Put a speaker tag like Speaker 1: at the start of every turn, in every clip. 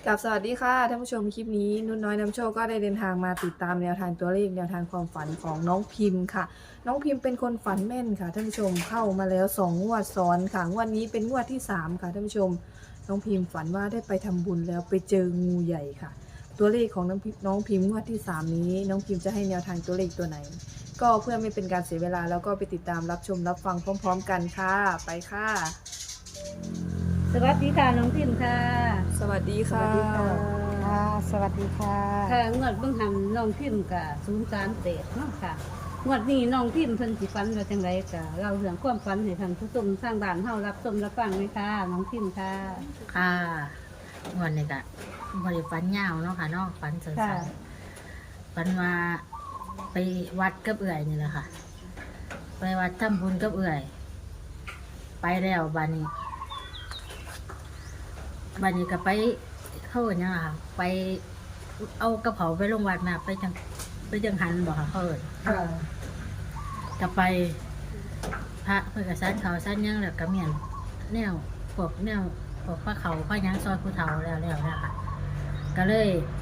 Speaker 1: กับสวัสดีค่ะท่านผู้ชมคลิปนี้นุ่นน้อยนำโชคก็ได้เดินทางมาติดตามแนวทางตัวเลขแนวทางความฝันของน้องพิมพ์ค่ะน้องพิมพ์เป็นคนฝันแม่นค่ะท่านผู้ชมเข้ามาแล้ว2 งวดซ้อนค่ะงวดนี้เป็นงวดที่3ค่ะท่านผู้ชมน้องพิมพ์ฝันว่าได้ไปทำบุญแล้วไปเจองูใหญ่ค่ะตัวเลขของน้องพิมพ์งวดที่3นี้น้องพิมพ์จะให้แนวทางตัวเลขตัวไหนก็เพื่อไม่เป็นการเสียเวลาแล้วก็ไปติดตามรับชมรับฟังพร้อมๆกันค่ะไปค่ะ
Speaker 2: สวัสดีค่ะน้องพิมพ์ค่ะ
Speaker 1: สวัสดีค่ะ
Speaker 3: ค่ะสวัสดีค่ะ
Speaker 2: ค่ะงวดเบิ่งหันน้องพิมพ์กับ038เนาะค่ะงวดนี้น้องพิมพ์เพิ่นสิฝันว่าจังไดก็เล่าเรื่องความฝันให้ท่านผู้ชมทางบ้านเฮารับชมรับฟังเลยค่ะน้องพิมพ์ค่ะ
Speaker 3: ค่ะวันนี้ก็บริฟันยาวเนาะค่ะเนาะฟันสั้
Speaker 2: ค่ะ
Speaker 3: นๆฟันว่าไปวัดกับเอื่อยนี่แหละค่ะ ไปวัดทำบุญกับเอื่อย ไปแล้วบัดนี้ก็ไปเข้ากันยังไงค่ะไปเอากระเป๋าไปลงวัดมาไปจังหันบอกค่ะเขาเอิญ
Speaker 2: ค่ะ
Speaker 3: ก็ไปพระเพื่อกระสันเขาสั้นยังแล้วก็เมียนแนวพวกพระเขาพระยังซอยผู้เฒ่าแล้วนะคะก็เลย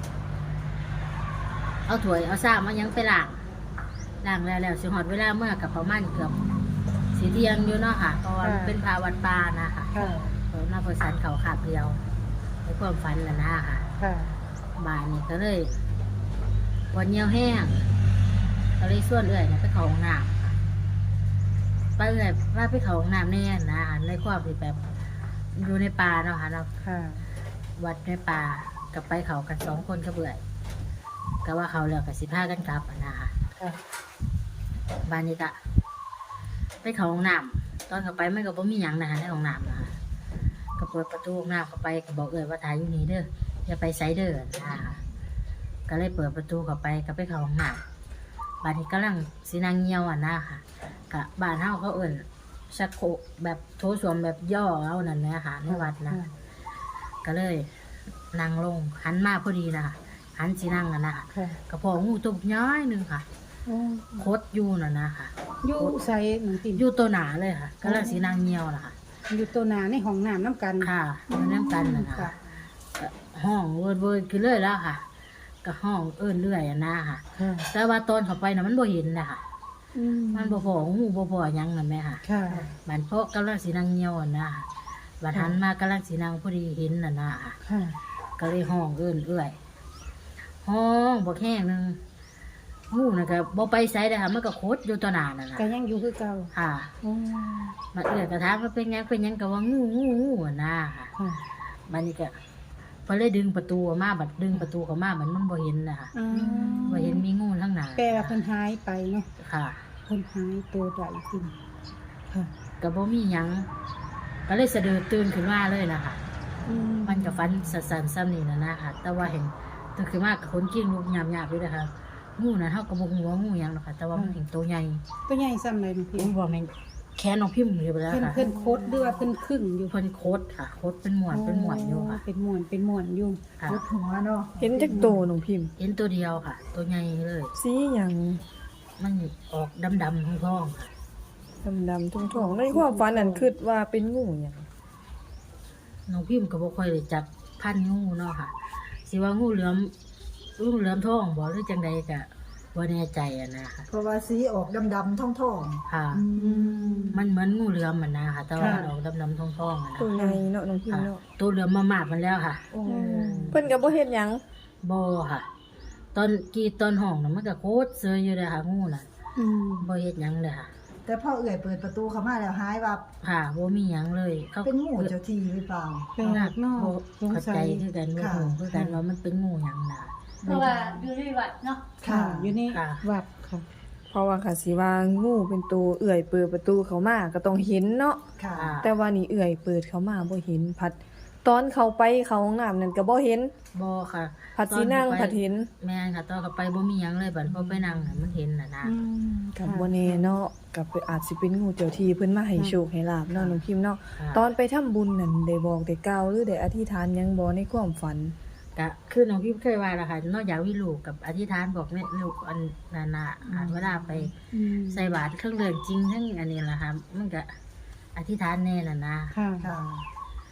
Speaker 3: เอาถ้วยเอาซ้ำมายังไปล้างแล้วสิหอดเวลาเมื่อกับประมาณเกือบสีเที่ยงอยู่เนาะค่ะเพราะว่าเป็นพาวัดป่านะคะ
Speaker 2: ค่ะ
Speaker 3: หน้าเพื่อสันเขาขาบเดียวในความฝันแล้วนะค่ะ
Speaker 2: ค่ะ
Speaker 3: บ่ายนี้ก็เลยวันเหี่ยวแห้งก็เลยส่วนเอื่อยเนี่ยไปเขาห้องน้ำค่ะไปเอื่อยว่าไปเขาห้องน้ำแน่นะในความที่แบบอยู่ในป่าเนาะค่ะเนาะ
Speaker 2: ค่ะ
Speaker 3: วัดในป่ากับไปเขากัน2 คนก็เบื่อยก็ว่าเขาแล้วกับ15กันกลับอะนะคะ
Speaker 2: ค่ะ
Speaker 3: บ้านนี้ก็ไปเขาห้องน้ำตอนเข้าไปมันก็บ่มีหยังนะคะในห้องน้ำนะคะก็เปิดประตูห้องน้ำเข้าไปก็บอกเอื่อยว่าถ่ายอยู่นี่เด้ออย่าไปไซเดอร์นะคะก็เลยเปิดประตูเข้าไปก็ไปเขาห้องน้ำบ้านนี้กำลังสีนางเงียวอ่ะนะค่ะกะบ้านเฮาเขาเอิ่นชักโครกแบบโถส้วมแบบย่อเอานั่นแหละค่ะในวัดนะก็เลยนั่งลงหันมาพอดีนะคะหันสีนั่งอ่ะนะคะ
Speaker 2: ค่ะ
Speaker 3: กระเพาะงูตัวย้อยหนึงค่ะคดอยู่น่ะนะค่ะ
Speaker 4: อยู่ใส่หนังติ่ม
Speaker 3: อยู่ตัวหนาเลยค่ะกำลังสีนางเงียวนะคะ
Speaker 4: อยู่ตัวหนาในห้องน้ำน้ำกัน
Speaker 3: ค่ะอยู่น้ำกันน่ะนะ
Speaker 4: ค่ะ
Speaker 3: คะก็ห้องเวิร์ดคือเลยแล้วค่ะก็ห้องเอิ้นเรื่อยอ่ะนะค่ะ
Speaker 4: ค่ะ
Speaker 3: แต่ว่าตอนเข้าไปน่ะมันบ่เห็นนะคะ
Speaker 4: อืม
Speaker 3: มันบ่พองูบ่พอหยังนั่นแหละค่ะ
Speaker 4: ค่ะ
Speaker 3: บันเพาะกำลังสีนางเงียวอ่ะนะบัดหันมากำลังสีนางพอดีเห็นน่ะนะค่ะ
Speaker 4: ค่ะ
Speaker 3: ก็เลยห้องเอิ้นเอื้อยห้องบ่แห้งหนึงงูน่ะก็บ่ไปไสได้ค่ะมันก็คดอยู่ต่อหน้านั่นน่ะ
Speaker 4: ก็ยังอยู่คือเก่า
Speaker 3: ค่ะ
Speaker 4: อ๋อ
Speaker 3: มาเอื้อยก็ถามว่าเป็นหยังก็ว่างูอ่ะนะค่ะ
Speaker 4: ค่ะ
Speaker 3: บัดนี้ก็พอเลยดึงประตูออกมาบัดดึงประตูเข้ามามันบ่เห็นน่ะค่ะ
Speaker 4: อ่า
Speaker 3: บ่เห็นมีงูทั้งหน้า
Speaker 4: แปลว่าเพิ่นหายไปเนาะ
Speaker 3: ค่ะ
Speaker 4: เพิ่นหายตัวใดติ่มค่ะ
Speaker 3: ก็บ่มีหยังก็เลยสะดุดตื่นขึ้นมาเลยนะคะ
Speaker 4: อืม
Speaker 3: มันกับฟันสันๆซ้ำนี่นะนะคะแต่ว่าเห็นตื่นขึ้นมากับคนกิ้งลูกหยาบๆด้วยนะคะงูนะเท่ากับงูว่างูหยังหรอกค่ะแต่ว่ามันเห็นตัวใหญ่
Speaker 4: ตัวใหญ่ซ้ำเลยน้องพิ
Speaker 3: อุ้
Speaker 4: ม
Speaker 3: ยบอกแม่นแขนน้องพิมพ์อยู่ไปแล้ว
Speaker 4: เพิ่น
Speaker 3: ค่ะ
Speaker 4: เพิ่นโคตรหรือว่าเพิ่นครึ่งอยู่
Speaker 3: เพิ่นโคตรค่ะโคตรเป็นหมวนอยู่ค่ะ
Speaker 4: เป็นหมวนอยู่
Speaker 3: ค่ะ
Speaker 4: โคตรหัวเนาะ
Speaker 1: เห็นจากโตน้องพิมพ์
Speaker 3: เห็นตัวเดียวค่ะ ตัวใหญ่เลย
Speaker 1: สีอย่าง
Speaker 3: มันออกดำๆท้องๆค่ะ
Speaker 1: ดำๆทุ่งๆในความฝันนั่นคิดว่าเป็นงูอย่าง
Speaker 3: น้องพิมพ์ก็บ่ค่อยได้จับพันงูเนาะค่ะสิว่างูเหลือมท้องบ่หรือจังใดก็บ่แน่ใจอะนะคะ
Speaker 5: เพราะว่าสีออกดำๆท่อง
Speaker 3: ค่ะ
Speaker 4: อืม
Speaker 3: มันเหมือนงูเหลือมมันนะคะแต่ว่า
Speaker 4: ค่ะ
Speaker 3: ออกดำๆท้องๆอะนะ
Speaker 1: ตัวในเนาะน้องพิม
Speaker 3: ค่ะ
Speaker 1: พ์เนาะ
Speaker 3: ตัวเหลือมมาหมาดมันแล้วค่ะ
Speaker 5: ๆโอ้
Speaker 1: เพิ่นก็บ่เฮ็ดหยัง
Speaker 3: บ่ค่ะ ตอนกรีดตอนห้องน่ะมันก็โคตรเซยอยู่เลยค่ะงูน่ะ
Speaker 4: อืม
Speaker 3: บ่เฮ็ดหยังเลยค่ะ
Speaker 5: แต่พ่อเอื่อยเปิดประตูเข้ามาแล้วหายว่า
Speaker 3: ค่ะบ่มีหยังเลยเขา
Speaker 5: เป็นงูเจ้าที่หรือเปล่า
Speaker 4: เป็นหลักเนาะ
Speaker 3: บ่
Speaker 4: สง
Speaker 3: เข้า
Speaker 4: สั
Speaker 3: ใจ
Speaker 4: ย
Speaker 3: คือกันบ่
Speaker 5: ค่ะ
Speaker 3: ฮู้คือกันว่ามันเป็นงูหยังน่ะ
Speaker 2: เพราะว่าอยู่ในวัดเนาะ
Speaker 4: ค่ะ อยู่ใน
Speaker 3: ค่ะ
Speaker 4: วัดค่ะ
Speaker 1: เพราะว่าค่ะสิว่างูเป็นตัวเอื่อยเปิดประตูเข้ามาก็ต้องเห็นเนาะ
Speaker 5: ค่ะ
Speaker 3: ค่ะ
Speaker 1: แต่ว่านี่เอื่อยเปิดเข้ามาบ่เห็นพัด ตอนเขาไปเขาห้องน้ำนั่นก็บ่เห็น
Speaker 3: บ่ค่ะ
Speaker 1: พัดสินั่ง
Speaker 3: ตอ
Speaker 1: พั
Speaker 3: เข้า
Speaker 1: ด
Speaker 3: ไป
Speaker 1: เห็น
Speaker 3: แม่นค่ะตอนเข้าไปบ่มีหยังเลยบัดพอไปนั่งน่ะมันเห็นน่ะนะ
Speaker 4: อืม
Speaker 1: กับ
Speaker 4: ค่ะ
Speaker 1: บ่แน่เนาะกับอาจสิเป็นงูเจ้าที่เพิ่นมาให้โชคให้ลาบเนาะน้องพิมพ์เนาะ
Speaker 3: ค่ะ
Speaker 1: ตอนไปทำบุญนั่นได้บอกได้กล่าวหรือได้อธิษฐานหยังบ่ในความฝัน
Speaker 3: ก็คือน้องพี่เคยว่าแล้วค่ะนอกจากวิลูกกับอธิษฐานบอกแม่ลูกอันนั้นน่ะเวลาไป
Speaker 4: อืม
Speaker 3: ใส่บาตรเครื่องเรืองจริงทั้งอันนี้แหละค่ะมันก็อธิษฐานแน่น่ะนะ
Speaker 4: ค่ะ
Speaker 5: ค่ะ
Speaker 3: แ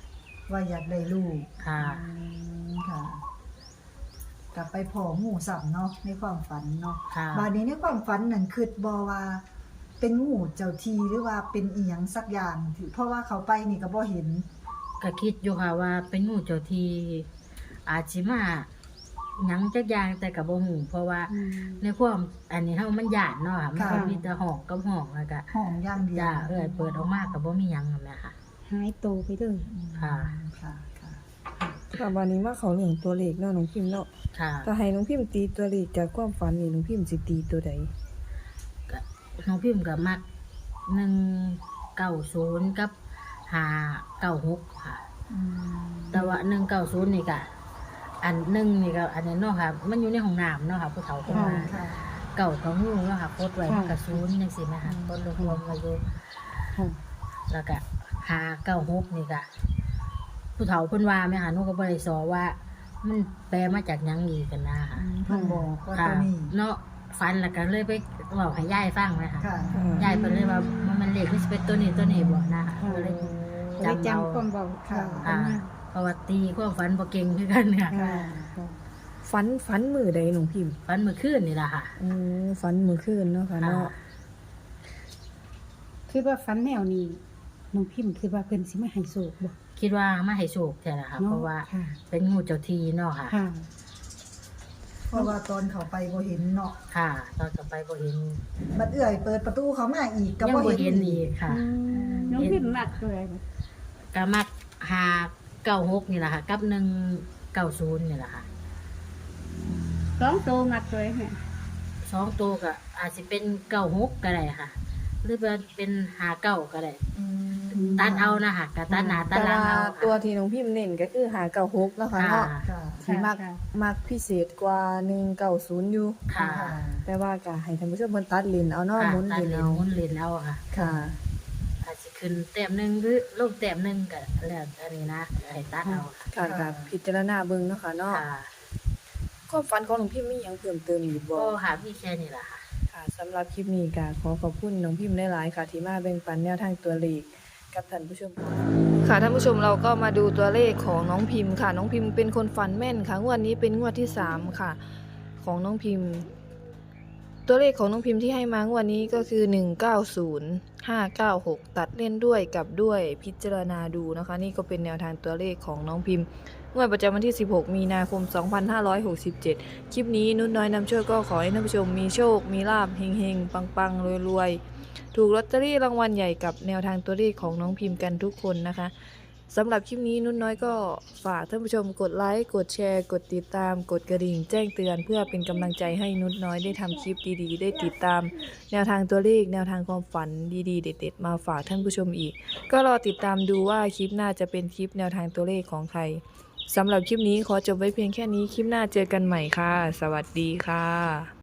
Speaker 5: ว่าอยากได้ลูก
Speaker 3: ค่ะ
Speaker 5: ค่ะกลับไปพองูสับเนาะในความฝันเนาะ
Speaker 3: ค่ะ
Speaker 5: บาดนี้ในความฝันนั่นคิดบ่ว่าเป็นงูเจ้าทีหรือว่าเป็นอีหยังสักอย่างที่เพราะว่าเขาไปนี่ก็บ่เห็น
Speaker 3: ก็คิดอยู่ค่ะว่าเป็นงูเจ้าที่อาจสิมาหยังจักอย่างแต่ก็บ่ฮู้เพราะว่าในความอันนี้เฮามันย้านเนาะค่ะมันก็มีแต่ห้องกับห้องแล้วก็
Speaker 5: ห้องอย่างเดียว
Speaker 3: จ้าเปิดออกมาก็บ่มีหยังนั่นแหละค่ะ
Speaker 4: หายโตไปเลย
Speaker 3: ค่ะ
Speaker 5: ค่ะค่ะ
Speaker 1: ค่ะวันนี้มาเขาเรื่องตัวเลขเนาะน้องพิมพ์เนาะ
Speaker 3: ค่ะ
Speaker 1: ถ้าให้น้องพิมพ์ตีตัวเลขจากความฝันนี่น้องพิมพ์สิตีตัวใด
Speaker 3: ก็น้องพิมพ์ก็มัก190กับ596ค่ะ แต่ว่า190นี่ก็อันหนึ่งนี่ก็อันนี้เนาะค่ะ มันอยู่ในห้องน้ำเนาะค่ะผู้เฒ่าเพิ่นว่า
Speaker 5: ค่ะ
Speaker 3: เก่ากับงูเนาะค่ะโพดไว้มันก็ศูนย์จังซี่แม่ค่ะต้นรวมๆไว้อยู่
Speaker 4: ค่ะ
Speaker 3: แล้วก็596นี่ก็ผู้เฒ่าเพิ่นว่าแม่ค่ะหนูก็บ่ได้สอว่า มันแปลมาจากหยังอีกกันนะค่ะ
Speaker 5: เพิ่นบอกว่า
Speaker 3: ค่ะ
Speaker 5: ตัวนี้
Speaker 3: เนาะฝันแล้วก็เลยไปเว้าให้ยายฟังแม่ค่ะ
Speaker 5: ค่ะ
Speaker 3: ยายเพิ่นเลยว่ามันเลขมันสิเป็นตัวนี้บ่นะคะก็เลย
Speaker 4: ได้
Speaker 3: จำเอา
Speaker 4: จำความเบา
Speaker 5: ค่ะ
Speaker 3: ค่ะเพราะว่าตีความฝันบ่เก่งคือกันค่ะ
Speaker 4: ค่ะ
Speaker 1: ฝันมือใดน้องพิมพ์
Speaker 3: ฝันเมื่อคืนนี่ล่ะค่ะ
Speaker 1: ฝันมือคืนเนาะค่ะเนาะ
Speaker 4: คือว่าฝันแนวนี้น้องพิมพ์คือว่าเพิ่นสิมาให้โศกบ่
Speaker 3: คิดว่ามาให้โชคแท้ล่ะค่ะ
Speaker 4: เนาะ
Speaker 3: เพราะว่า
Speaker 4: ค่ะ
Speaker 3: เป็นงูเจ้าที่เนาะค่ะ
Speaker 4: ค่ะ
Speaker 5: เพราะว่าตอนเขาไปบ่เห็นเนาะ
Speaker 3: ค่ะ ตอนกลับไปบ่เห็น
Speaker 5: บัดเอื้อยเปิดประตูเขามาอีกก็
Speaker 3: ยัง
Speaker 5: บ่
Speaker 3: บ่
Speaker 5: เห็
Speaker 3: เห็น
Speaker 5: น
Speaker 3: อีกค่ะ
Speaker 2: น้องพิมพ์มักเลย
Speaker 3: ก็มัก596นี่ล่ะค่ะกับ190นี่ล่ะค่ะ
Speaker 2: 2โตมักเลยแม่
Speaker 3: สองตัวก็อาจสิเป็น96ก็ได้ค่ะ หรือว่าเป็น59ก็ได้
Speaker 5: อืม
Speaker 3: ตัดเอานะคะก็ตัดหน้าตั
Speaker 1: แต่
Speaker 3: ดหลัง
Speaker 1: ว่า
Speaker 3: เอา
Speaker 1: ตัว
Speaker 3: ค่ะ
Speaker 1: ที่น้องพิมพ์เน้นก็คือ596เนาะค่ะ
Speaker 3: ค่ะ
Speaker 1: เนาะ
Speaker 5: ค่ะ
Speaker 1: ที่มักพิเศษกว่า190อยู่
Speaker 3: ค่ะ
Speaker 1: แต่ว่าก็ให้ท่านผู้ชมเพิ่นตัดเลนเอาเนาะ
Speaker 3: ค่ะ
Speaker 1: หมุน
Speaker 3: ตั
Speaker 1: เล
Speaker 3: ด
Speaker 1: น
Speaker 3: เลน
Speaker 1: เอา
Speaker 3: หมุนเลนเอาค่ะ
Speaker 1: ค่ะ
Speaker 3: อาจจะขึ้นแต้มหนึ่งหรือลงแต้มหนึ่งก็แล้วอันนี้นะให้ตัดเอาค่ะ
Speaker 1: ค่ะก็พิจารณาเบิ่งเนาะค่ะเนาะ
Speaker 3: ค่ะ
Speaker 1: ความฝันของน้องพิมพ์มีหยังเพิ่มเติมอีกบ่
Speaker 3: ก็ค่ะมีแค่นี้ล่ะค่ะ
Speaker 1: ค่ะสำหรับคลิปนี้ก็ขอขอบคุณน้องพิมพ์หลายๆค่ะที่มาแบ่งปันแนวทางตัวเลขกับท่านผู้ชมค่ะท่านผู้ชมเราก็มาดูตัวเลขของน้องพิมพ์ค่ะ น้องพิมพ์เป็นคนฝันแม่นค่ะงวดนี้เป็นงวดที่3ค่ะของน้องพิมพ์ ตัวเลขของน้องพิมพ์ที่ให้มางวดนี้ก็คือ190 596ตัดเล่นด้วยกับด้วยพิจารณาดูนะคะนี่ก็เป็นแนวทางตัวเลขของน้องพิมพ์งวดประจำวันที่16มีนาคม2567คลิปนี้นุ่นน้อยนำโชคก็ขอให้ท่านผู้ชมมีโชคมีลาภเฮงๆปังๆรวยๆถูกลอตเตอรี่รางวัลใหญ่กับแนวทางตัวเลขของน้องพิมพ์กันทุกคนนะคะสำหรับคลิปนี้นุ่นน้อยก็ฝากท่านผู้ชมกดไลค์กดแชร์กดติดตามกดกระดิ่งแจ้งเตือนเพื่อเป็นกำลังใจให้นุ่นน้อยได้ทำคลิปดีๆได้ติดตามแนวทางตัวเลขแนวทางความฝันดีๆเด็ดๆมาฝากท่านผู้ชมอีกก็รอติดตามดูว่าคลิปหน้าจะเป็นคลิปแนวทางตัวเลขของใครสำหรับคลิปนี้ขอจบไว้เพียงแค่นี้คลิปหน้าเจอกันใหม่ค่ะสวัสดีค่ะ